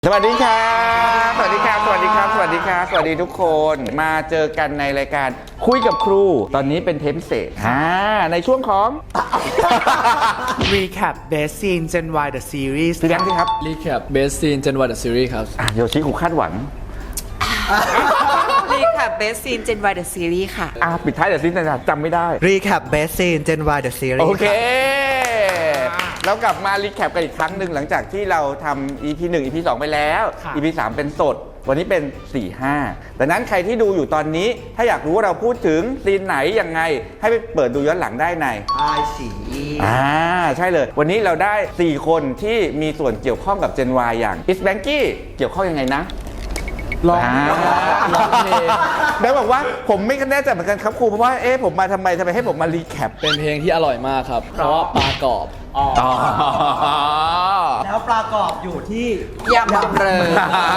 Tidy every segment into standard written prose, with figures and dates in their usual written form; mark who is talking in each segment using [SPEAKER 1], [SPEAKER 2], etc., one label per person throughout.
[SPEAKER 1] สวัสดีครับสวัสดีครับสวัสดีครับสวัสดีครับสวัสดีทุกคนมาเจอกันในรายการคุยกับครูตอนนี้เป็นเทปพิเศษในช่วงของ
[SPEAKER 2] Recap Best Scene Gen Y The Series
[SPEAKER 1] พี่แบงค์สิครับ
[SPEAKER 3] Recap Best Scene Gen Y The Series ครับ
[SPEAKER 1] โยชิครูคาดหวัง
[SPEAKER 4] Recap Best Scene Gen Y The Series ค่ะ
[SPEAKER 1] ปิดท้ายเดี๋ยวซินะจำไม่ได้
[SPEAKER 2] Recap Best Scene Gen Y The Series
[SPEAKER 1] โอเค เรากลับมารีแคปกันอีกครั้งหนึ่งหลังจากที่เราทำ EP 1 EP 2 ไปแล้ว EP 3 เป็นสด วันนี้เป็น 4-5 ดังนั้นใครที่ดูอยู่ตอนนี้ถ้าอยากรู้ว่าเราพูดถึงซีนไหนยังไง ให้ไปเปิดดูย้อนหลังได้ในใช่เลย วันนี้เราได้ 4 คนที่มีส่วนเกี่ยวข้องกับ Gen Y อย่าง Is Banky เกี่ยวข้องยังไงนะร้องเพลงได้บอกว่าผมไม่แน่ใจเหมือนกันครับครูเพราะว่าผมมาทำไมให้ผมมารีแคป
[SPEAKER 3] เป็นเพลงที่อร่อยมากครับ เพราะว่าปลากรอบ
[SPEAKER 2] แล้วปลากรอบอยู่ที่
[SPEAKER 4] ยำบำเรอ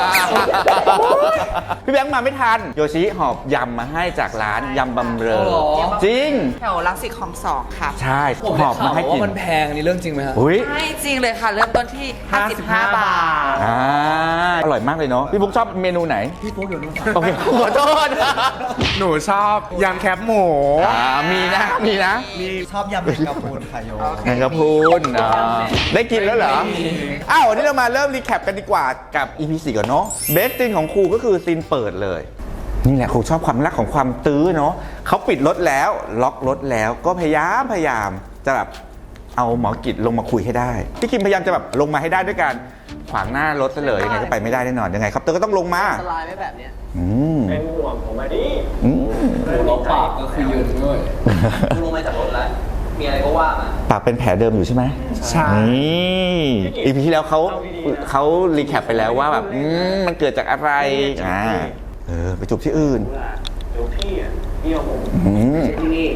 [SPEAKER 1] พี่แบงค์มาไม่ทันโยชิหอบยำมาให้จากร้านยำบำเรอ
[SPEAKER 3] อ๋อเหรอ
[SPEAKER 1] จริง
[SPEAKER 4] แถวรังสิตคลอง2ค่ะ
[SPEAKER 1] ใช่
[SPEAKER 3] ผม
[SPEAKER 1] ห
[SPEAKER 3] ได้
[SPEAKER 1] อบ
[SPEAKER 3] ข่า
[SPEAKER 1] มาวให้กิน
[SPEAKER 3] ว่ามันแพงนี่เรื่องจริงไหมฮะ
[SPEAKER 1] อุ้ย
[SPEAKER 4] ใช่จริงเลยค่ะ เริ่มต้นที่ 55 บาท
[SPEAKER 1] อร่อยมากเลยเนาะพี่บุ๊กชอบเมนูไหนพี่บุ๊กอยู่นู่นโอเคขอโทษ
[SPEAKER 2] หนูชอบยำแคบหมู
[SPEAKER 1] มีนะ
[SPEAKER 2] มีชอบยำแมงกะพรุนค่ะโย
[SPEAKER 1] แมงกะพรุนได้กินแล้วเหรอวันนี้เรามาเริ่มรีแคปกันดีกว่ากับ EP 4ก่อนเนาะเบสซีนของครูก็คือซีนเปิดเลยนี่แหละครูชอบความรักของความตื้อเนาะเขาปิดรถแล้วล็อกรถแล้วก็พยายามจะแบบเอาหมอกิจลงมาคุยให้ได้พี่คิมพยายามจะแบบลงมาให้ได้ด้วยการขวางหน้ารถซะเลยยังไงก็ไปไม่ได้แน่นอนยังไงครับเตอร์ก็ต้องลงมา
[SPEAKER 3] สลายไม่แบบเนี้ย
[SPEAKER 5] เป็นห่วงผมมาดิ
[SPEAKER 3] ลบปากก็คือยืนด้วย
[SPEAKER 5] ลงมาจากรถแล้ว มีอะไรก็ว่ามา
[SPEAKER 1] ปากเป็นแผลเดิมอยู่ใช่ไหม
[SPEAKER 2] ใช่
[SPEAKER 1] นี่อีพีที่แล้วเขารีแคปไปแล้วว่าแบบมันเกิดจากอะไรไปจูบที่อื่น
[SPEAKER 5] เดี๋ยวพี่อ่ะพี่เอาผม
[SPEAKER 1] ที่นี่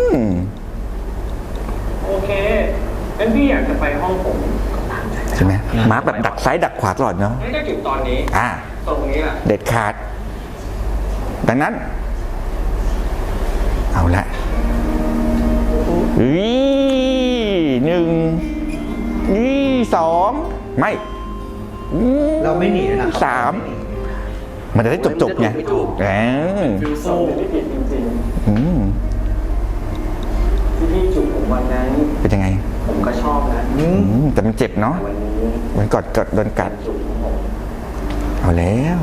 [SPEAKER 5] โอเคงั้นพี่อยากจะไปห้องผม
[SPEAKER 1] ใช่ไหมมาร์คแบบดักซ้ายดักขวาตลอดเนาะ
[SPEAKER 5] งั้นก็เก็บตอนนี้ ตรงนี้แหละ
[SPEAKER 1] เด็ดขาด ดังนั้น เอาละ1 2ไม่
[SPEAKER 2] เราไม่หนีนะ
[SPEAKER 1] 3มันจะได้จบไง
[SPEAKER 5] ฟิวโซ่ไม่ผิดจริงๆที่พี่จูบผมวันนั้น
[SPEAKER 1] เป็นยังไง
[SPEAKER 5] ผมก็ชอบนะ
[SPEAKER 1] แต่มันเจ็บเนาะ
[SPEAKER 5] วันนี้
[SPEAKER 1] มันกดโดนกัด
[SPEAKER 5] จูบของผม
[SPEAKER 1] เอาแล้ว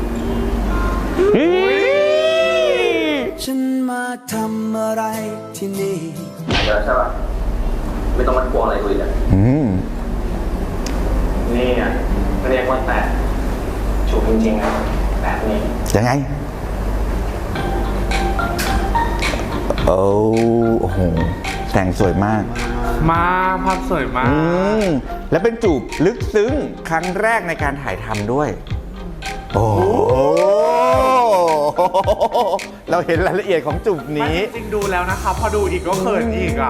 [SPEAKER 6] ฉันมาทำอะไรที่นี่
[SPEAKER 5] หายแล้วใช่ป่ะไม่ต้องมากลัวอะไรกูอีกอ่ะนี่อ่ะเรียกว่าแต่จูบจริงๆนะแบบนี้
[SPEAKER 1] ยังไง โอ้โหแต่งสวยมาก
[SPEAKER 2] มาภาพสวยมาก
[SPEAKER 1] และเป็นจูบลึกซึ้งครั้งแรกในการถ่ายทำด้วย โอ้โหเราเห็นรายละเอียดของจูบนี้
[SPEAKER 2] จริงดูแล้วนะคะ พอดูอีกก็เขินอีกอ่ะ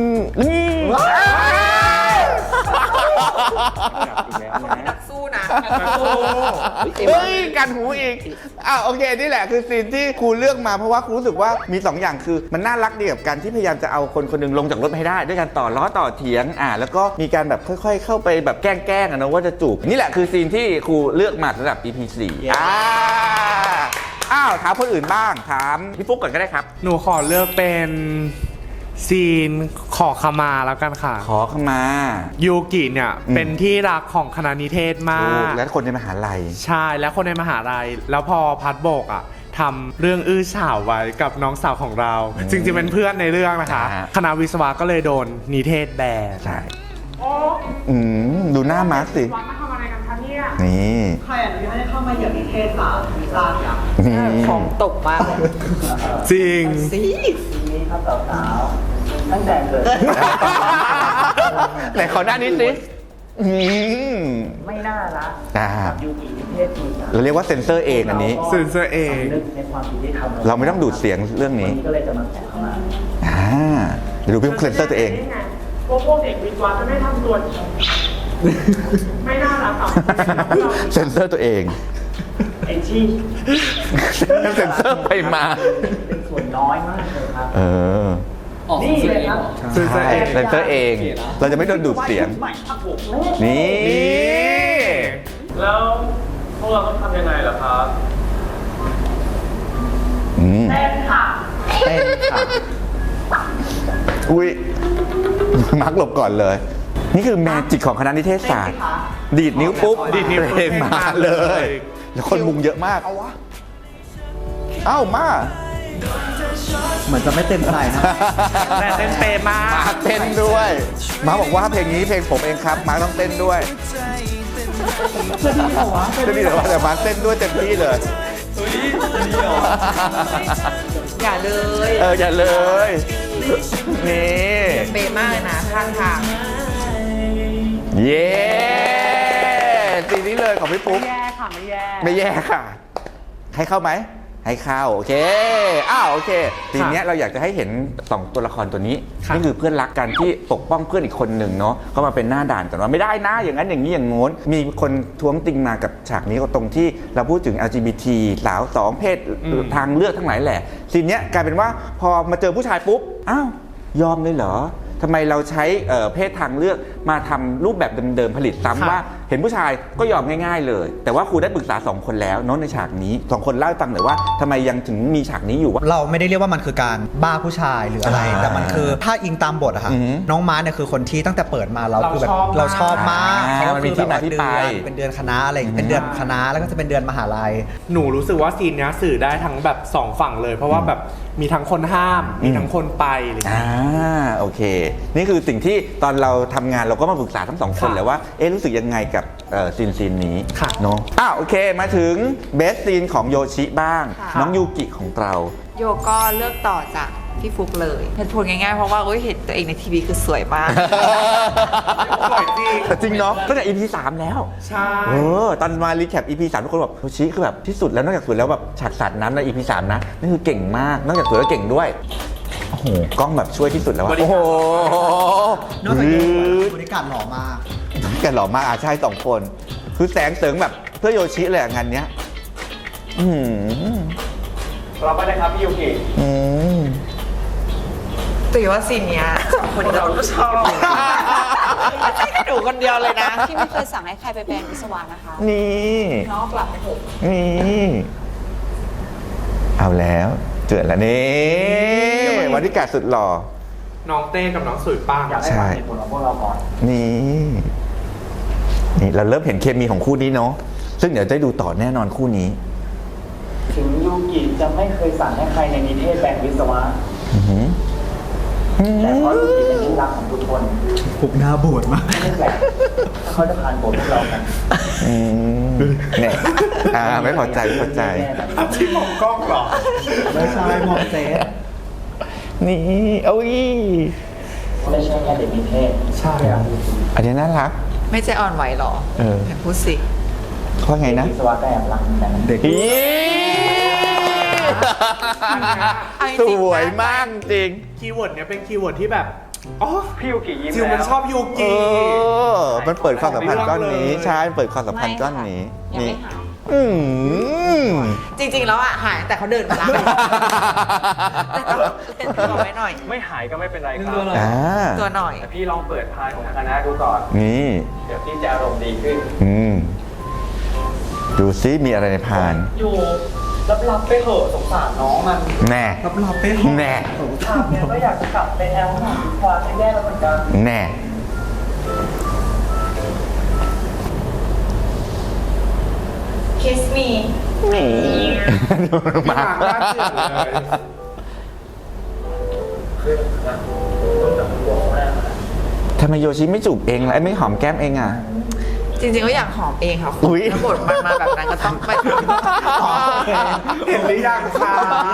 [SPEAKER 4] นักสู้นะ
[SPEAKER 1] เฮ้ยกันหูอีกโอเคนี่แหละคือซีนที่ครูเลือกมาเพราะว่าครูรู้สึกว่ามี2อย่างคือมันน่ารักดีกับการที่พยายามจะเอาคนคนหนึงลงจากรถให้ได้ด้วยการต่อล้อต่อเถียงแล้วก็มีการแบบค่อยๆ เข้าไปแบบแกล้งๆนะว่าจะจูบนี่แหละคือซีนที่ครูเลือกมาสำหรับ EP 4ถามคนอื่นบ้างถามพี่ฟุ๊กก่อนก็ได้ครับ
[SPEAKER 2] หนูขอเลือกเป็นซีนขอขมาแล้วกันค่ะ
[SPEAKER 1] ขอเข้ามา
[SPEAKER 2] ยูกิเนี่ยเป็นที่รักของคณะนิเทศมาก
[SPEAKER 1] และคนในมหาลัย
[SPEAKER 2] ใช่และคนในมหาลัยแล้วพอพัดโบกทำเรื่องอื้อฉาวไว้กับน้องสาวของเรา จริงๆเป็นเพื่อนในเรื่องนะคะ คณะวิศวะก็เลยโดนนิเทศแบน
[SPEAKER 1] ใช่ดูหน้ามาร์คสิ
[SPEAKER 4] มาทำอะไรกันคะเนี่ย
[SPEAKER 1] นี่
[SPEAKER 7] ใครอนุญาตให้เข้ามาเหยียบนิเทศศาสตร์วีซ่าอย่าง
[SPEAKER 1] นี่
[SPEAKER 4] ของตกมากเลย
[SPEAKER 2] จริง
[SPEAKER 4] สิ
[SPEAKER 7] นี้ครับสาวๆตั้งแต่เกิด
[SPEAKER 1] ไหนขอหน้านี้สิ
[SPEAKER 7] ไม่น่ารักยูกินิเทศมี
[SPEAKER 1] เราเรียกว่าเซ็นเซอร์เองอันนี้
[SPEAKER 2] เซ็นเซอร์เอง
[SPEAKER 7] นึกในความผิดที่ทำ
[SPEAKER 1] เราไม่ต้องดูดเสียงเรื่องนี้
[SPEAKER 7] วันนี้ก็เลยจะมาแตะเข้ามา
[SPEAKER 1] เดี๋ยวดูพี่เซ็นเซอร์ตัวเอง
[SPEAKER 8] พวกเด็กวิศวะจะไม่ทำตัว ไม่น่ารักอ่ะ
[SPEAKER 1] เซ็นเซอร์ตัวเอง
[SPEAKER 7] ไอ้ที่
[SPEAKER 1] เซ็นเซอร์ไปมา
[SPEAKER 7] เป็นส่วนน้อยมากเลยครับ
[SPEAKER 3] ออกเสียงเองเหรอ
[SPEAKER 1] ใช่เซ็นเซอร์เอง เราจะไม่โดนดูดเสียง
[SPEAKER 7] ใหม่ครับผม
[SPEAKER 1] นี่
[SPEAKER 2] น
[SPEAKER 5] แล้วพวกเราต้องทำยังไงล่ะครับ
[SPEAKER 8] เต้นค่ะ
[SPEAKER 7] เต้นค่ะ
[SPEAKER 1] อุ้ยมาร์กหลบก่อนเลย นี่คือแมจิกของคณะนิเทศศาสตร์ ดีดนิ้วปุ๊บ
[SPEAKER 2] ดีดนิ้วปุ๊บ
[SPEAKER 1] เพลงมาเลย แล้วคนมุงเยอะมาก เอ้ามา
[SPEAKER 7] เหมือนจะไม่เต็มใจนะ
[SPEAKER 2] แต่เต้นเปย์มาก
[SPEAKER 1] มาเต้นด้วย มาบอกว่าเพลงนี้เพลงผมเองครับ มาต้องเต้นด้วยจะดีเหรอวะจะดีเหรอวะแต่มาเต้นด้วยเต็มที่เลย
[SPEAKER 4] อย่าเลย
[SPEAKER 1] อย่าเลย นี่
[SPEAKER 4] เป๊ะมากเลยนะข้างทาง
[SPEAKER 1] เย้สีนี้เลยของพี่ปุ๊ก
[SPEAKER 8] แย่ค่ะ ไม่แย่
[SPEAKER 1] ไม่แย่ค่ะ ให้เข้าไหม ให้เข้า โอเค โอเค ทีเนี้ยเราอยากจะให้เห็น 2 ตัวละครตัวนี้
[SPEAKER 2] ครับ
[SPEAKER 1] นี่คือเพื่อนรักกันที่ปกป้องเพื่อนอีกคนหนึ่งเนาะเขามาเป็นหน้าด่านกันว่าไม่ได้นะ อย่างนั้นอย่างนี้อย่างโน้น มีคนท้วงติงมากับฉากนี้ก็ตรงที่เราพูดถึง LGBT สาว2เพศทางเลือกทั้งหลายแหละทีเนี้ยกลายเป็นว่าพอมาเจอผู้ชายปุ๊บ อ้าว ยอมเลยเหรอ ทำไมเราใช้เพศทางเลือกมาทำรูปแบบเดิมๆผลิตซ้ำว่าเห็นผู้ชายก็ยอมง่ายๆเลย แต่ว่าครูได้ปรึกษา2 คนแล้วเนาะในฉากนี้2 คนเล่าให้ฟังหน่อยว่าทำไมยังถึงมีฉากนี้อยู่ว่า
[SPEAKER 9] เราไม่ได้เรียกว่ามันคือการบ้าผู้ชายหรืออะไร แต่มันคือถ้าอิงตามบทอะค่ะ
[SPEAKER 1] อือหือ
[SPEAKER 9] น้องม้าเนี่ยคือคนที่ตั้งแต่เปิดมาเราคือแบบเราชอบมาก
[SPEAKER 1] อ่า
[SPEAKER 9] เขา
[SPEAKER 1] มันมี
[SPEAKER 9] คือ
[SPEAKER 1] ที่มาที่ไป
[SPEAKER 9] เป็นเดือนคณะอะไรอย่างเงี้ยเป็นเดือนคณะแล้วก็จะเป็นเดือนมหาลัย
[SPEAKER 2] หนูรู้สึกว่าซีนเนี้ยสื่อได้ทั้งแบบ2 ฝั่งเลย เพราะว่าแบบมีทั้งคนห้าม มีทั้งคนไปอะไรอย่างเงี้ย
[SPEAKER 1] โอเค นี่คือสิ่งที่ตอนเราทำงานเราก็มาปรึกษาทั้ง2 คน
[SPEAKER 2] ค่ะ
[SPEAKER 1] แล้วว่ารู้สึกยังไงกับซีนนี้
[SPEAKER 2] ค่ะ
[SPEAKER 1] เนาะโอเคมาถึงเบสซีนของโยชิบ้าง
[SPEAKER 4] ค่ะ
[SPEAKER 1] น้องยูกิของเรา
[SPEAKER 4] โยก็เลือกต่อจากพี่ฟุกเลยเหตุผลง่ายๆเพราะว่าเห็นตัวเองในทีวีคือสวยมาก
[SPEAKER 2] สวยจริง
[SPEAKER 1] จริงเนาะตั้งแต่ EP 3 แล้ว
[SPEAKER 2] ใช่
[SPEAKER 1] ตอนมารีแคป EP 3 ทุกคนแบบโยชิคือแบบที่สุดแล้วนอกจากสวยแล้วแบบฉากสาดน้ำใน EP 3 นะนี่คือเก่งมากนอกจากสวยแล้วเก่งด้วยโอ้โหกล้องแบบช่วยที่สุดแล้วอะ
[SPEAKER 2] บริการ
[SPEAKER 1] โอ้โห
[SPEAKER 9] นอกจากนี้บริการหล่อมาก
[SPEAKER 1] แกหล่อมากใช่2 คน คือแสงเสริงแบบเพื่อโยชิเลยงานเนี้ยอืม
[SPEAKER 5] เราไปนะครับพี่ยูกิ
[SPEAKER 1] อืม
[SPEAKER 4] แต่ว่าซีนเนี้ยคนเราก็ชอบไม่ใช่แค่หนูคนเดียวเลยนะ
[SPEAKER 10] พี่ไม่เคยสั่งให้ใครไปแปลงวิศวะนะคะ
[SPEAKER 1] นี่
[SPEAKER 10] น้องกลับไปเถอะ
[SPEAKER 1] นี่เอาแล้วเจอแล้วนี่วันที่กาสุดหล่อ
[SPEAKER 2] น้องเต้กับน้องสุยป้าง
[SPEAKER 1] ใช่นี่เราเริ่มเห็นเคมีของคู่นี้เนาะซึ่งเดี๋ยวจะได้ดูต่อแน่นอนคู่นี้
[SPEAKER 7] ถึงยูกิจะไม่เคยสั่งให้ใครในนิเทศแบ่งวิศวะ
[SPEAKER 1] อื้อหือ
[SPEAKER 7] แต่เพราะยูกิเป็นที่รักของทุกคน
[SPEAKER 9] ปุกหน้าบูดมาก
[SPEAKER 7] ไม่แปลกถ้าเขาจะผ่านบทพวกเรากัน
[SPEAKER 1] อืมเนี่ยไม่พอใจไม่พอใจ
[SPEAKER 2] ที่มองกล้องเหรอ
[SPEAKER 9] ไม่ใช่มองเซฟ
[SPEAKER 1] นี่เอาอี
[SPEAKER 7] ไม่ใช่แค่เด็กนิเทศ
[SPEAKER 9] ใช่อะ
[SPEAKER 1] อันนี้น่ารัก
[SPEAKER 4] ไม่ใจอ่อนไหวหรอ
[SPEAKER 1] เออ
[SPEAKER 4] เห็นพูดสิ
[SPEAKER 1] เขาไงนะ
[SPEAKER 7] วิศวะก็แอบรักเหมือนกันนะ
[SPEAKER 9] เด็ก
[SPEAKER 1] อี
[SPEAKER 4] เอาจ
[SPEAKER 1] ส
[SPEAKER 4] ริงๆ
[SPEAKER 1] วยมากจริง
[SPEAKER 2] คีย์เวิร์ดเนี้ยเป็นคีย์เวิร์ดที่แบบ อ๋อ
[SPEAKER 5] พี่ยูกิยิ้ม
[SPEAKER 2] จิวมัน
[SPEAKER 5] แล้ว
[SPEAKER 2] ชอบยู
[SPEAKER 1] เอ
[SPEAKER 2] กิ
[SPEAKER 1] มันเปิดความสัมพันธ์ก้อนนี้ ใช่มันเปิดความสัมพันธ์ก้อนนี้
[SPEAKER 10] ยังไม่หาย
[SPEAKER 1] อืม
[SPEAKER 4] จริงๆแล้วหายแต่เขาเดินมาแล้วแต่ต้องเล่นตัวไว้หน่อย
[SPEAKER 5] ไม่หายก็ไม่เป็นไรครับ
[SPEAKER 4] ตัวหน่อย
[SPEAKER 5] แต่พี่ลองเปิดพายของคณะดูก่อน
[SPEAKER 1] นี่
[SPEAKER 5] เดี๋ยวพี่จะอารมณ์ดีขึ้น
[SPEAKER 1] ดูซิมีอะไรในพาน
[SPEAKER 7] อยู่รับไปเถอะสงสารน้องมัน
[SPEAKER 1] แน่
[SPEAKER 9] รับไปหอ
[SPEAKER 1] แน่
[SPEAKER 7] ถามเนี่ยก็อยากจะกลับไปแอลหาวิศวะให้แย่แล้วเหมือนกัน
[SPEAKER 1] แน่
[SPEAKER 10] Kiss me
[SPEAKER 1] ดูมา
[SPEAKER 2] หางน่าเชื่อเลย
[SPEAKER 1] ทำไมโยชิไม่จูบเองล่ะไม่หอมแก้มเองอ่ะ
[SPEAKER 4] จริงๆก็อยากหอมเองค่ะ
[SPEAKER 1] อุ๊ย
[SPEAKER 4] ถ้าบทมันมาแบบนั้นก็ต้องไป
[SPEAKER 2] เห็นหรือยังคะ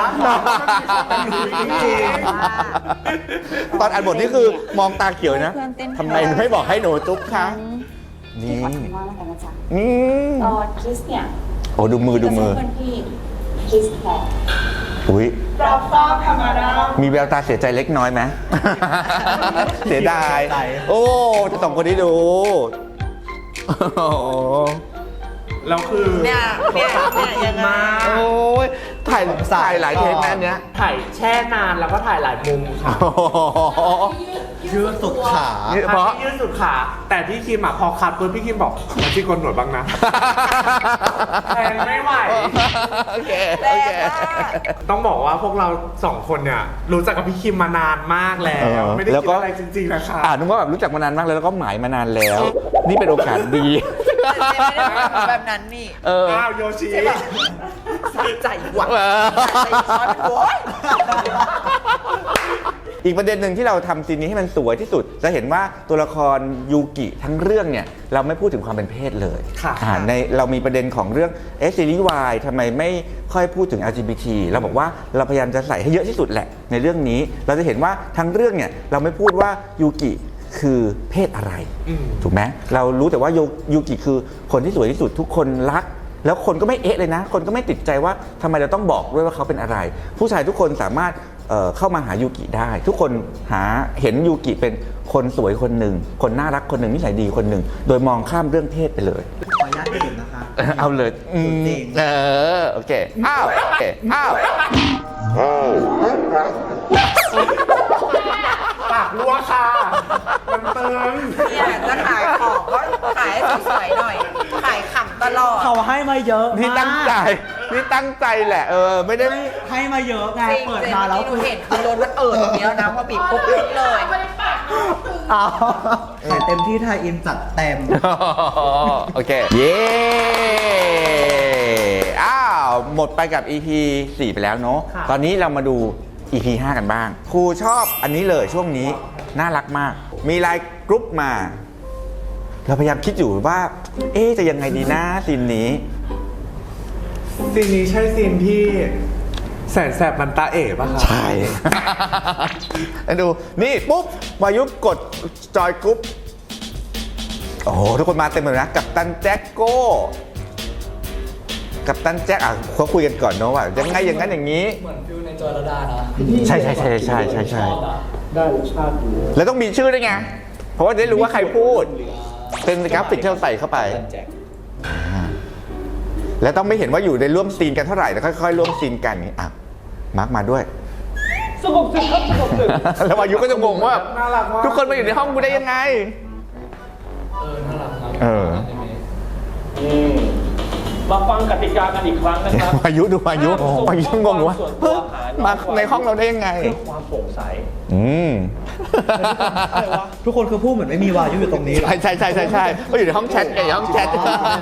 [SPEAKER 1] ตอนอ่านบทนี่คือมองตาเขียวนะ
[SPEAKER 10] เพื่อนเต้น
[SPEAKER 1] ทำไมไม่บอกให้หนูจุ๊บคะ
[SPEAKER 10] ที่
[SPEAKER 1] นี่
[SPEAKER 10] ขอทำว่าแล้วกันนะจ๊ะ
[SPEAKER 1] นี่
[SPEAKER 10] ตอนคิสเนี่ย
[SPEAKER 1] โอ้ดูมือดูมือ
[SPEAKER 10] ก็จะให้เพื่อนพี่คิสแทน
[SPEAKER 1] อุ้ย
[SPEAKER 8] รับทราบธรรมดา
[SPEAKER 1] มีแววตาเสียใจเล็กน้อยไหม เสียดาย โอ้จะส่งคนนี้ดูโอ้โห
[SPEAKER 2] แล้วคือ
[SPEAKER 4] เนี่ยยังไง
[SPEAKER 1] โอ้ยถ่ายหลายเทคนะอันเนี้ย
[SPEAKER 2] ถ่ายแช่นานแล้วก็ถ่ายหลายมุมค่ะ
[SPEAKER 1] โอ้โห
[SPEAKER 9] ยืดสุดขา
[SPEAKER 1] เพราะ
[SPEAKER 2] ที่ยืดสุดขาแต่พี่คิมอ่ะพอคัดปุ๊บพี่คิมบอกมาที่โกนหนวดบ้างนะ แทนไม่ไหว
[SPEAKER 1] โอเค
[SPEAKER 4] แร
[SPEAKER 1] โอง เค
[SPEAKER 4] มาก
[SPEAKER 2] ต้องบอกว่าพวกเราสองคนเนี่ยรู้จักกับพี่คิมมานานมากแล้ว ไม่ได้
[SPEAKER 1] แล้ว
[SPEAKER 2] คิด
[SPEAKER 1] ก็
[SPEAKER 2] อะไรจริงๆนะคะ
[SPEAKER 1] นึกว่าแบบรู้จักมานานมากแล้วก็หมายมานานแล้ว นี่เป็นโอกาสดี
[SPEAKER 4] แต่เจไม่ได้เป็นแบบนั้นนี่
[SPEAKER 2] อ้าวโยชิ
[SPEAKER 4] ใช่ปะสะใจหวังสะใจช้อนโว้ย
[SPEAKER 1] อีกประเด็นหนึ่งที่เราทำซีนนี้ให้มันสวยที่สุด จะเห็นว่าตัวละครยูกิทั้งเรื่องเนี่ยเราไม่พูดถึงความเป็นเพศเลย
[SPEAKER 2] ค่ะ
[SPEAKER 1] ในเรามีประเด็นของเรื่องซีรีส์วายทำไมไม่ค่อยพูดถึง LGBT เราบอกว่าเราพยายามจะใส่ให้เยอะที่สุดแหละในเรื่องนี้เราจะเห็นว่าทั้งเรื่องเนี่ยเราไม่พูดว่ายูกิคือเพศอะไร ถูกไหมเรารู้แต่ว่ายูกิคือคนที่สวยที่สุดทุกคนรัก แล้วคนก็ไม่เอ๊ะเลยนะ คนก็ไม่ติดใจว่าทำไมเราต้องบอกด้วยว่าเขาเป็นอะไร ผู้ชายทุกคนสามารถเข้ามาหายูกิได้ ทุกคนเห็นยูกิเป็นคนสวยคนหนึ่งคนน่ารักคนหนึ่งนิสัยดีคนหนึ่งโดยมองข้ามเรื่องเพศไปเลย
[SPEAKER 9] ขออนุญาตดื่มนะคะ
[SPEAKER 1] เอาเลย
[SPEAKER 9] จริง
[SPEAKER 1] โอเคอ้าวโอเคอ้าว
[SPEAKER 2] ปากรั่วค่ะ มันเติม
[SPEAKER 4] เนี่ยจะขายของก็ขายให้สวยๆหน่อย ขายขำตลอด
[SPEAKER 9] เขาให้มาเยอะ
[SPEAKER 1] นี่ตั้งใจนี่ตั้งใจแหละไม่ได้
[SPEAKER 9] ให้มาเยอะไง
[SPEAKER 4] จริง
[SPEAKER 9] เปิด
[SPEAKER 4] ๆ
[SPEAKER 9] มาแล้ว
[SPEAKER 4] ที่หนูเห็นคือโดนมันตรงนี้แล้วนะพอบีบปุ๊บล้นเลย
[SPEAKER 9] เอาแต่เต็มที่ไทยอินจัดเต็ม
[SPEAKER 1] โอเค เย้อ้าวหมดไปกับ EP 4 ไปแล้วเนาะตอนนี้เรามาดู EP 5 กันบ้างครูชอบอันนี้เลยช่วงนี้น่ารักมาก มีไลน์กรุ๊ปมา เราพยายามคิดอยู่ว่า จะยังไงดีนะซีนนี้
[SPEAKER 2] ซีนนี้ใช่ซีนที่แสนแสบมันตาเอ๋ป่ะคะ
[SPEAKER 1] ใช่ ดูนี่ปุ๊บวายุกดจอยกรุ๊ปโอ้โหทุกคนมาเต็มเลยนะกับตันแจ็คโก้กับตันแจ็คเขาคุยกันก่อนเนาะว่ายังไงอย่างนั้นอย่างนี้
[SPEAKER 3] เหมือนฟิวในจอยระดานะ
[SPEAKER 1] ใช่
[SPEAKER 3] ได้รสชาติดี
[SPEAKER 1] แล้วต้องมีชื่อด้วยไงเพราะว่าจะได้รู้ว่าใครพูด เป็นกราฟิกที่เราใส่เข้าไป
[SPEAKER 3] แจ็ค
[SPEAKER 1] แล้วต้องไม่เห็นว่าอยู่ในร่วมซีนกันเท่าไหร่แล้วค่อยๆร่วมซีนกันอย่างนี้มาร์กมาด้วย
[SPEAKER 8] สงบสึกครับสงบสึก
[SPEAKER 1] แล้ววายุก็จะงงว่า
[SPEAKER 2] น่ารักมาก
[SPEAKER 1] ทุกคนมาอยู่ในห้องกูได้ยังไง
[SPEAKER 3] น่ารักครับ
[SPEAKER 8] มาฟังกติกากันอีกครั้งนะครับ
[SPEAKER 1] วายุดูวายุงงว่าเฮ้ยมาในห้องเราได้ยังไง
[SPEAKER 8] เพื่อความโปร่งใส
[SPEAKER 9] ทุกคนคือพูดเหมือนไม่มีวายุอยู่ตรงนี้
[SPEAKER 1] ใช่เขาอยู่ในห้องแชทไงห้องแชท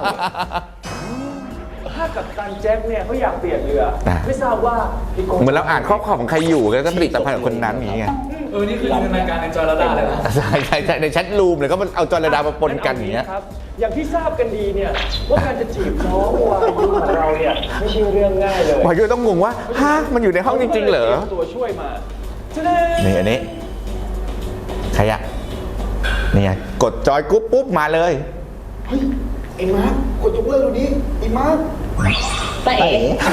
[SPEAKER 8] ถ้ากับตันแจ็คเนี่ยเขาอยากเปลี่ยนเรือ ไม่ทราบว่าพี่โก
[SPEAKER 1] เหมือนเราอ่านข้อความของใครอยู่แล้วก็ผลิตภัณฑ์ของคนนั้นอย่างเงี้ย
[SPEAKER 3] นี่คือในรายการในจอยระดาเลยนะ
[SPEAKER 1] ใช่ในแชทรูมเลยก็มันเอาจอระดามาปนกันอย่างเงี้ย
[SPEAKER 8] ครับ อย่างที่ทราบกันดีเนี่ยว่าการจะจีบน้องวายุของเราเนี่ยไม่ใช่เรื่องง่ายเลยว
[SPEAKER 1] ายุต้องงงว่าฮะมันอยู่ในห้องจริงๆเหรอ
[SPEAKER 8] ตัวช่วยมา
[SPEAKER 1] นี่อันนี้ใครอะนี่ไงกดจอยกรุ๊ปปุ๊บมาเลย
[SPEAKER 9] ไอ้มาร์กดยกเลิกดูนี้ไอ้มาร์
[SPEAKER 4] แต่เอ๋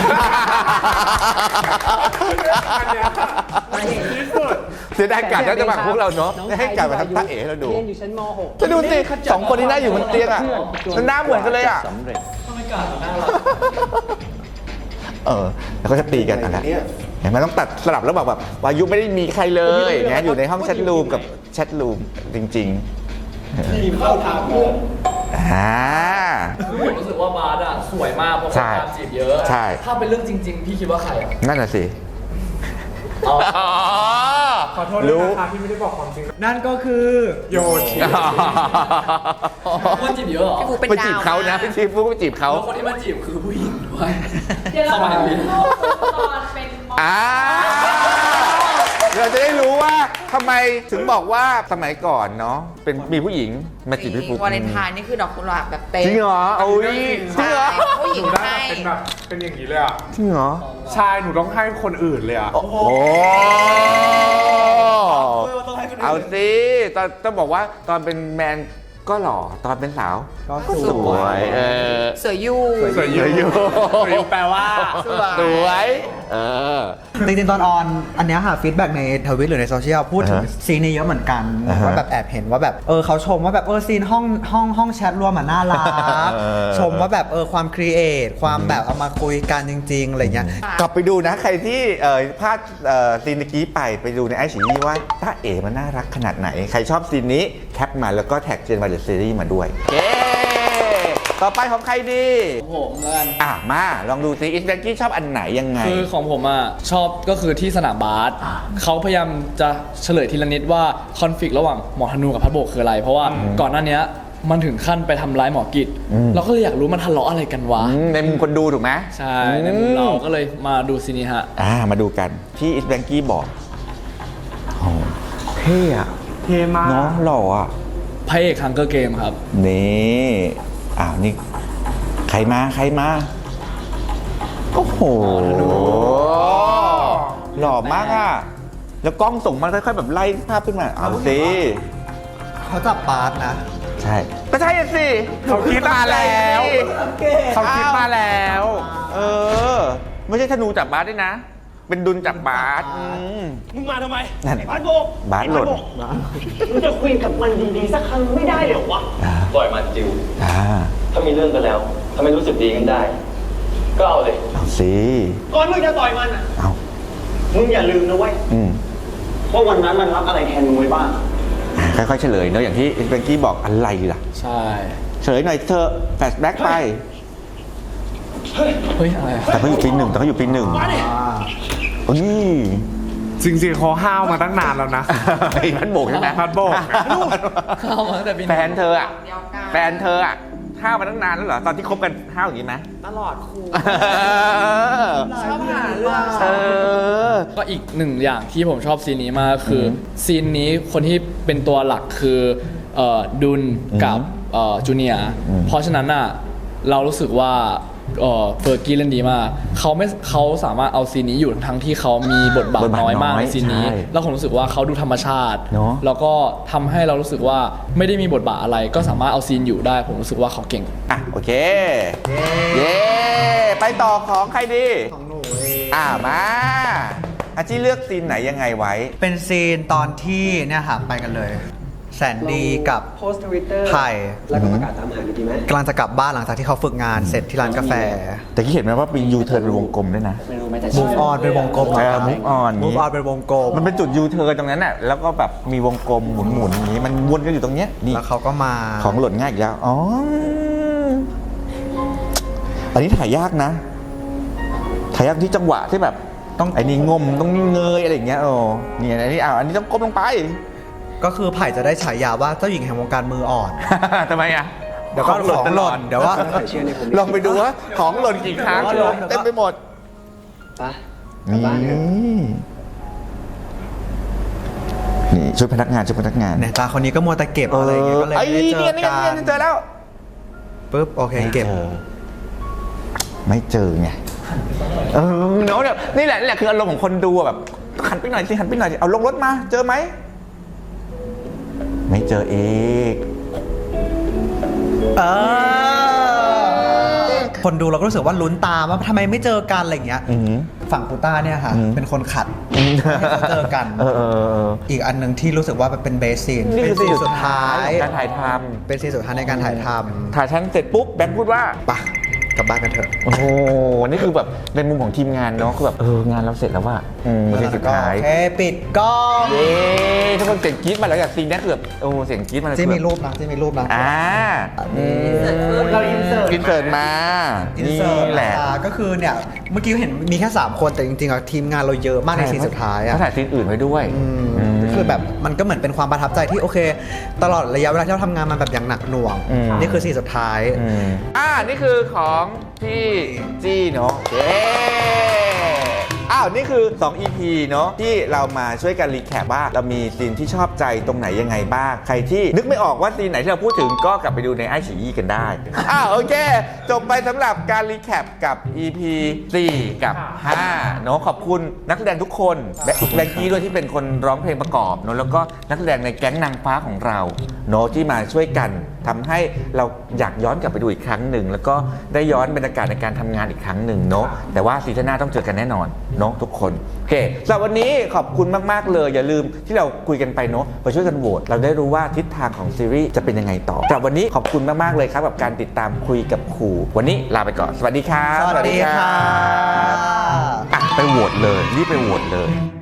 [SPEAKER 2] ที่สุด
[SPEAKER 1] เสียดายการจะมาพวกเราเนาะให้การมาทำตาเอ๋ให้เราดูจะดูสิสองคนที่นั่งอยู่บนเตียงอะมันหน้าเหมือนกันเลยอะแล้วก็จะตีกันอะไรเห็นไหมต้องตัดสลับแล้วแบบวายุไม่ได้มีใครเลยอย่างเงี้ยอยู่ในห้องแชทรูมกับแชทรูมจริงๆ
[SPEAKER 3] ทีมเข้าทางเลย
[SPEAKER 8] ผมรู้สึกว่าบาร์ดสวยมากเพราะ
[SPEAKER 1] ใช่
[SPEAKER 8] เขาตามจีบเยอะ
[SPEAKER 1] ใช่
[SPEAKER 8] ถ้าเป็นเรื่องจริง ๆ พี่คิดว่าใครอ่ะ
[SPEAKER 1] นั่นน่ะสิ
[SPEAKER 2] ขอโทษด้วยนะคะที่ไม่ได้บอกความจริง
[SPEAKER 9] นั่นก็คือ
[SPEAKER 2] โยชิ
[SPEAKER 8] คนจีบเยอะเหรอ
[SPEAKER 4] พี่ฟูเป็น
[SPEAKER 1] ไป
[SPEAKER 4] ดาว
[SPEAKER 1] จีบเขานะพี่ชีฟูไปจีบเขา
[SPEAKER 8] แล้วคนที่มาจีบคือผู้หญิงด้วย
[SPEAKER 10] เดี๋ยวเรา
[SPEAKER 8] เข้ามาในนี้
[SPEAKER 10] ตอนเป็นมอ
[SPEAKER 1] เราจะได้รู้ว่าทำไมถึงบอกว่าสมัยก่อนเนาะเป็นมีผู้หญิงมาจีบพี่ฟุ๊ก
[SPEAKER 4] วาเลนไทน์นี่คือดอกกุหลาบแบบเต็ม
[SPEAKER 1] จริงเหรอโอ้ยจริงเหรอ
[SPEAKER 4] ผู้หญิง
[SPEAKER 2] ได้
[SPEAKER 4] ให้
[SPEAKER 2] เป็นอย่างนี้เลยอ่ะ
[SPEAKER 1] จริงเหรอ
[SPEAKER 2] ชายหนูต้องให้คนอื่นเลยอ่ะ
[SPEAKER 1] โอ้เอาสิตอนต้องบอกว่าตอนเป็นแมนก็หล่อตอนเป็นสาว
[SPEAKER 9] ก็
[SPEAKER 1] สวย
[SPEAKER 4] สวยอยู่
[SPEAKER 2] สวยอยู่
[SPEAKER 1] สวยอยู่
[SPEAKER 2] สวยอยู่แปลว่า
[SPEAKER 1] สวย
[SPEAKER 9] จริงๆตอนออนอันเนี้ยค่ะฟีดแบ็กในทวิตหรือในโซเชียลพูดถึงซีนนี้เยอะเหมือนกันว่าแบบแอบเห็นว่าแบบเขาชมว่าแบบซีนห้องแชทรวมน่ารักชมว่าแบบความครีเอทความแบบเอามาคุยกันจริงๆอะไรเงี้ย
[SPEAKER 1] กลับไปดูนะใครที่พลาดซีนเมื่อกี้ไปดูในไอชีนี่ว่าต้าเอ๋มันน่ารักขนาดไหน ใครชอบซีนนี้แคปมาแล้วก็แท็กเจนวายเดอะซีรีส์มาด้วยเย้ต่อไปของใครดี
[SPEAKER 3] ผมแล้วกัน
[SPEAKER 1] มาลองดูซิอิสแบงกี้ชอบอันไหนยังไง
[SPEAKER 3] คือของผมอ่ะชอบก็คือที่สนามบาสเขาพยายามจะเฉลยทีละนิดว่าคอนฟ lict ระหว่างหมอธนูกับพัดโบกคืออะไร เพราะว่าก่อนหน้านี้มันถึงขั้นไปทำร้ายหมอกิจเราก็เลยอยากรู้มันทะเลาะอะไรกันวะ
[SPEAKER 1] ในมุมคนดูถูกไหม
[SPEAKER 3] ใช่ในมุมเราก็เลยมาดูซีนี้ฮะ
[SPEAKER 1] มาดูกันที่อิสแบงกี้บอกโอ้เท่อะ
[SPEAKER 2] เท่มาก
[SPEAKER 1] น้องหล่ออะ
[SPEAKER 3] พระเอกฮังเกอร์เกมครับ
[SPEAKER 1] นี่นี่ใครมาโอ้โหหล่อมากอะแล้วกล้องส่งมาค่อยๆแบบไล่ภาพขึ้นมาเอาสิ
[SPEAKER 9] เขาจับบาสนะ
[SPEAKER 1] ใช่ก็ใช่สิ
[SPEAKER 2] เขาคิดมาแล้วเขาคิดมาแล้ว
[SPEAKER 1] ไม่ใช่ธนูจับบาสด้วยนะ เป็นดุลจับบาส
[SPEAKER 8] มึงมาทำไม
[SPEAKER 1] นั่น
[SPEAKER 8] บาสโบก
[SPEAKER 1] บาสหล่น
[SPEAKER 8] มึงจะคุยกับมันดีๆสักครั้งไม่ได้เหรอวะ
[SPEAKER 5] ปล่อยมันจิว ถ้ามีเรื่องกันแล้ว ถ้าไม่รู้สึกดีกันได้ ก็เอาเลย
[SPEAKER 1] เอาสิ
[SPEAKER 8] ก่อนมึงจะต่อยมันอ่ะ
[SPEAKER 1] เอา
[SPEAKER 8] มึงอย่าลืมนะเว้ยว่าวันนั้นมันรับอะไรแทนมึงไว้บ้าง
[SPEAKER 1] ค่อยๆเฉลยเนอะอย่างที่เบงกี้บอกอะไรล่ะ
[SPEAKER 3] ใช่
[SPEAKER 1] เฉลยหน่อยเธอแฟลชแบ็กไป
[SPEAKER 3] เฮ้ยอะไรอะ
[SPEAKER 1] แต่เขาอยู่ปีหนึ่งโอ้นี่
[SPEAKER 2] จริงๆเขาห้าวมาตั้งนานแล้วนะ
[SPEAKER 1] ไอ้พัดโบกใช่ไหม
[SPEAKER 2] พัดโบก
[SPEAKER 3] เข้ามาตั้งแต่ปี
[SPEAKER 1] แฟนเธออะห้าวมาตั้งนานแล้วเหรอตอนที่คบกันห้าวอย่างนี้ไหม
[SPEAKER 4] ตลอดครู
[SPEAKER 1] ชอบหาเรื่อง
[SPEAKER 3] ก็อีกหนึ่งอย่างที่ผมชอบซีนนี้มากคือซีนนี้คนที่เป็นตัวหลักคือดุลกับจูเนียร์เพราะฉะนั้นน่ะเรารู้สึกว่าเฟอร์กี้เล่นดีมากเขาสามารถเอาซีนนี้อยู่ทั้งที่เขามีบทบาทน้อยมากในซีนนี้ แล้วผมรู้สึกว่าเขาดูธรรมชาติ แล้วก็ทำให้เรารู้สึกว่าไม่ได้มีบทบาทอะไรก็สามารถเอาซีนอยู่ได้ผมรู้สึกว่าเขาเก่ง
[SPEAKER 1] โอเคเย้ไปต่อของใครดี
[SPEAKER 9] ของหนูเอง
[SPEAKER 1] มาอาชีเลือกซีนไหนยังไงไว้
[SPEAKER 9] เป็นซีนตอนที่เนี่ยค่ะไปกันเลย แสนดีกับ
[SPEAKER 8] โพสต์ทวิตเตอร์
[SPEAKER 9] ไผ่
[SPEAKER 8] แล้วก็ประกาศตามหาดีไหม
[SPEAKER 9] กำลังจะกลับบ้านหลังจากที่เขาฝึกงานเสร็จที่ร้านกาแฟ
[SPEAKER 1] แต่ที่เห็นไหมว่าเป็นยูเทิร์นเป็นวงกลมด้วยนะ
[SPEAKER 8] ไม่รู้ไหมแต่
[SPEAKER 9] มูฟออนเป็นวงกลม
[SPEAKER 1] move on
[SPEAKER 9] มูฟออนเป็นวงกลม
[SPEAKER 1] มันเป็นจุดยูเทิร์นตรงนั้นน่ะแล้วก็แบบมีวงกลมหมุนๆอย่างนี้มันวนกันอยู่ตรงเนี้ยนี่
[SPEAKER 9] แล้วเขาก็มา
[SPEAKER 1] ของหล่นง่ายอีกแล้วอันนี้ถ่ายยากนะถ่ายยากที่จังหวะที่แบบไอ้นี่งมต้องเงยอะไรอย่างเงี้ยเนี่ยอันนี้อันนี้ต้องก้มลงไป
[SPEAKER 9] ก็คือไผ่จะได้ฉายาว่าเจ้าหญิงแห่งวงการมืออ่อน
[SPEAKER 1] ทำไมอ่ะ
[SPEAKER 9] เดี๋ยวก็ของหล่นเดี๋ยวว่า
[SPEAKER 1] ลองไปดูว่าของหล่นกี่ครั้งเต็มไปหมด
[SPEAKER 8] ไป
[SPEAKER 1] นี่ช่วยพนักงาน
[SPEAKER 9] เนี่ยตาคนนี้ก็มัวแต่เก็บอะไรอย่างเงี้ยก็เลยไม่ได้เจอกัน
[SPEAKER 1] เจอแล้ว
[SPEAKER 9] ปุ๊บโอเคเก็บ
[SPEAKER 1] ไม่เจอไงเนาะนี่แหละคืออารมณ์ของคนดูแบบหันไปหน่อยสิเอาลงรถมาเจอไหมไม่เจออีก
[SPEAKER 9] คนดูเราก็รู้สึกว่าลุ้นตามว่าทำไมไม่เจอกันอะไรอย่างเงี้ยฝั่งปูต้าเนี่ยค่ะเป็นคนขัดให้เขาเจอกันอีกอันหนึ่งที่รู้สึกว่าเป็นเบสซีน
[SPEAKER 1] นี่คือซีนสุดท้าย
[SPEAKER 9] การถ่ายทำเป็นซีนสุดท้ายในการถ่ายทำ
[SPEAKER 1] ถ่ายชั้นเสร็จปุ๊บแบงค์พูดว่า
[SPEAKER 9] ไปกลับบ้านกันเถอะ
[SPEAKER 1] โอ้โหนี่คือแบบในมุมของทีมงานเนาะคือแบบงานเราเสร็จแล้วว่ะซีนสุดท้าย
[SPEAKER 9] โอเคปิดกล้อง
[SPEAKER 1] เย้ทุกคนเสียงกรี๊ดมาแล้วจากซีนนี้คือแบบเสียงกรี๊ดมาแล้ว
[SPEAKER 9] ที่มีรูปนะ
[SPEAKER 4] เราอินเสิร์ต
[SPEAKER 1] มา
[SPEAKER 9] อินเสิร์ต
[SPEAKER 1] นี่แหละ
[SPEAKER 9] ก็คือเนี่ยเมื่อกี้เห็นมีแค่3คนแต่จริงๆอะทีมงานเราเยอะมากในซีนสุดท้ายอะ
[SPEAKER 1] เขาถ่ายซีนอื่นไว้ด้วย
[SPEAKER 9] คือแบบมันก็เหมือนเป็นความประทับใจที่โอเค ตลอดระยะเวลาที่เราทำงานมาแบบอย่างหนักหน่วงนี่คือซีนสุดท้าย
[SPEAKER 1] นี่คือของพี่จี้เนาะเย้นี่คือ2 EP เนาะที่เรามาช่วยกันรีแคปว่าเรามีซีนที่ชอบใจตรงไหนยังไงบ้างใครที่นึกไม่ออกว่าซีนไหนที่เราพูดถึงก็กลับไปดูในไอฉี่กันได้โอเคจบไปสำหรับการรีแคปกับ EP 4 กับ 5 เนาะขอบคุณนักแสดงทุกคนแบงกี้ด้วยที่เป็นคนร้องเพลงประกอบเนาะแล้วก็นักแสดงในแก๊งนางฟ้าของเราเนาะที่มาช่วยกันทำให้เราอยากย้อนกลับไปดูอีกครั้งหนึ่งแล้วก็ได้ย้อนบรรยากาศในการทำงานอีกครั้งหนึ่งเนาะแต่ว่าซีซั่นหน้าต้องเจอกันแน่นอนเนาะทุกคนโอเคสำหรับวันนี้ขอบคุณมากๆเลยอย่าลืมที่เราคุยกันไปเนาะไปช่วยกันโหวตเราได้รู้ว่าทิศทางของซีรีส์จะเป็นยังไงต่อสำหรับวันนี้ขอบคุณมากๆเลยครับกับการติดตามคุยกับครูวันนี้ลาไปก่อนสวัสดีครับ
[SPEAKER 9] สวัสดีค่ะ
[SPEAKER 1] ไปโหวตเลยรีบไปโหวตเลย